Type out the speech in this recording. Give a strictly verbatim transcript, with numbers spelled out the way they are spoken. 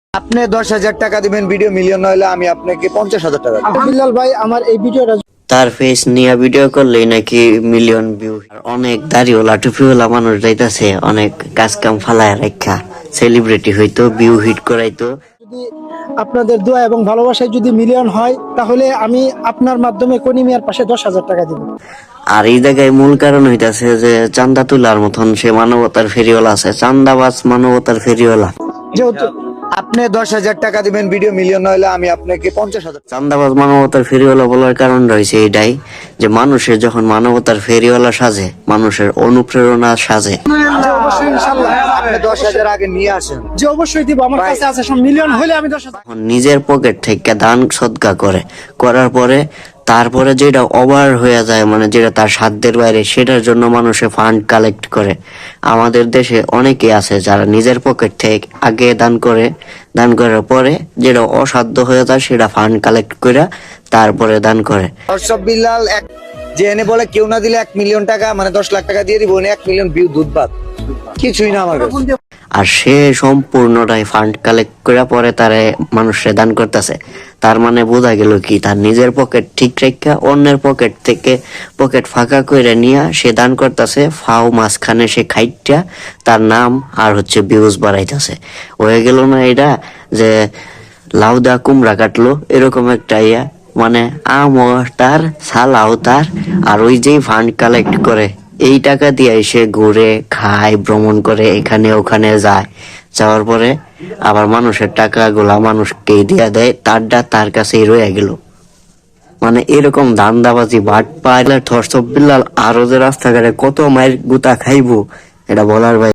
আপনি দশ হাজার টাকা দিবেন ভিডিও মিলিয়ন হলে আমি আপনাকে পঞ্চাশ হাজার টাকা দেব। বিল্লাল ভাই আমার এই ভিডিওটা তার ফেস নিয়ে ভিডিও করলেই নাকি মিলিয়ন ভিউ। অনেক দাড়িওয়ালা টুপিওয়ালা মানুষ যাইতাছে, অনেক কাজ কাম ফালায় রেখা সেলিব্রিটি হইতো, ভিউ হিট করাইতো। যদি আপনাদের দোয়া এবং ভালোবাসায় যদি মিলিয়ন হয় তাহলে আমি আপনার মাধ্যমে কনি মিয়ার পাশে দশ হাজার টাকা দিব। আর এই জায়গায় মূল কারণ হইতাছে যে চান্দা তুলার মতন সে মানবতার ফেরিওয়ালা আছে, চান্দাবাজ মানবতার ফেরিওয়ালা। যেহেতু আপনি দশ হাজার টাকা দিবেন ভিডিও মিলিয়ন হলে আমি আপনাকে পঞ্চাশ হাজার। চান্দাবাজ মানবতার ফেরিওয়ালা বলার কারণ রয়েছে এটাই যে মানুষের যখন মানবতার ফেরিওয়ালা সাজে, মানুষের অনুপ্রেরণা সাজে। যে অবশ্যই ইনশাআল্লাহ আপনি দশ হাজার আগে নিয়ে আসেন। যে অবশ্যই দিব, আমার কাছে আছে সব। মিলিয়ন হলে আমি দশ হাজার। যখন নিজের পকেট থেকে দান সদকা করে করার পরে তারপরে যেটা ওভার হয়ে যায়, মানে যেটা তার সাধ্যের বাইরে, সেটার জন্য মানুষে ফান্ড কালেক্ট করে। আমাদের দেশে অনেকে আছে যারা নিজের পকেট থেকে আগে দান করে, দান করার পরে যেটা অসাধ্য হয়ে যায় সেটা ফান্ড কালেক্ট করে তারপরে দান করে। দর্শক বিল্লাল এক যে এনে বলে কেউ না দিলে এক মিলিয়ন টাকা মানে দশ লাখ টাকা দিয়ে দিব, উনি এক মিলিয়ন ভিউ দুধ ভাত কিছুই না আমার কাছে। আর সে সম্পূর্ণটাই ফান্ড কালেক্ট করে পরে তারে মানুষে দান করতেছে। তার মানে বোঝা গেল কি, তার নিজের পকেট ঠিক রেখা অন্যের পকেট থেকে পকেট ফাঁকা করে নিয়ে সে দান করতেছে। ফাও মাঝখানে সে খাইটা তার নাম আর হচ্ছে ভিউজ বাড়াইতেছে। হয়ে গেল না এটা যে লাউদা কুমড়া কাটলো এরকম একটা ইয়া, মানে আমও তার সালাও তার, আর ওই যেই ফান্ড কালেক্ট করে এই টাকা দিয়ে সে ঘুরে খায়, ভ্রমণ করে, এখানে ওখানে যায়। যাওয়ার পরে আবার মানুষের টাকাগুলা মানুষকে দিয়া দেয়, তারটা তার কাছেই রয়ে গেল। মানে এরকম ধান্দাবাজি বাট পাইলে ধর্ষক বিল্লাল আরো যে রাস্তাঘাটে কত মায়ের গুতা খাইবো এটা বলার বাইরে।